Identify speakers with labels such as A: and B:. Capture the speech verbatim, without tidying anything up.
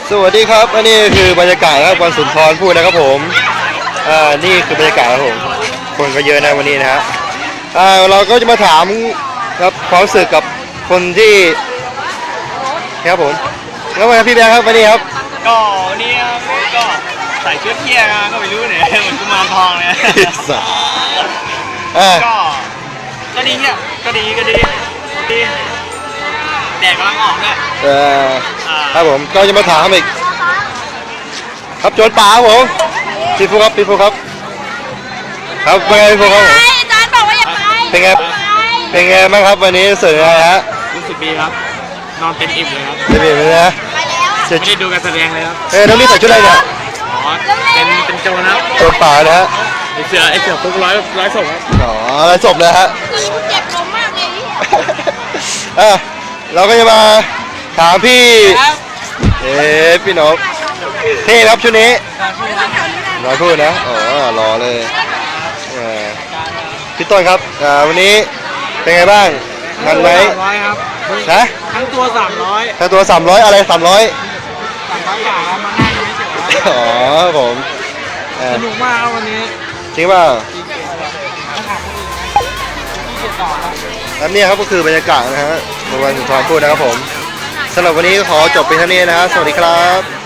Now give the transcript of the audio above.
A: สวัสดีครับอันนี้คือบรรยากาศครับวันสุนทรภู่นะครับผมอ่านี่คือบรรยากาศครับผมคนก็เยอะนะวันนี้นะฮะอ่าเราก็จะมาถามครับความรู้สึกกับคนที่ครับผมแล้ววันพี่แบงค์ครับวันนี้ครับ
B: ก็วันนี้ก็ใส่ชุดเที่ยงก็ไม่รู้เนี่ยเหมือนกุมารทองเลย
A: อ่า
B: ก็ก็ดีเนี่ยก็ดีก็ดีดีแดดกำลังออกด้วย
A: เออครับผมก็จะมาถามอีกครับโจรป่าครับผมพี่ฟูครับพี่ฟูครับครับเป็นไงพี่ฟูครับผม
C: อาจารย์บอกว่าอย่าไป
A: เป็นไงเป็นไงบ้างครับวันนี้สื่ออะไรฮะ
B: รู้สึกดีครับนอนเต็มอิ่มเลยครับ
A: เต็มอิ่มเลยนะ
B: ไม่ได้ดูการแสดงเลยครับ
A: เอ้ยน้องนี่ใส่ชุดอะไรเนี่ย
B: อ๋อเป็นเป็นโจรนะ
A: โจรป่านะฮะ
B: ไอเสือไอเสือปุ๊กร้อยร้อยศพครับ
A: อ๋อร้อยศพเลยฮะ
C: เจ็บลมมากเลย
A: อ่ะเราก็จะมาถามพี่เอ๊ะพี่นกเท่ครับชุดนี้รอพูดนะอ๋อรอเลยพี่ต้นครับวันนี้เป็นไงบ้างมันไหม
B: ร้อยครับ
A: นะ
B: ทั้งตัวสามร้อย
A: ทั้งตัวสามร้อยอะไรสามร้อย
B: สามร้อยบาทมานั่งเฉย
A: อ๋อผม
B: สนุกมากวันนี้
A: จริงเปล่าแล้วนี่ครับก็คือบรรยากาศนะฮะในวันสุนทรภู่นะครับผมสำหรับวันนี้ขอจบเป็นเท่านี้นะฮะสวัสดีครับ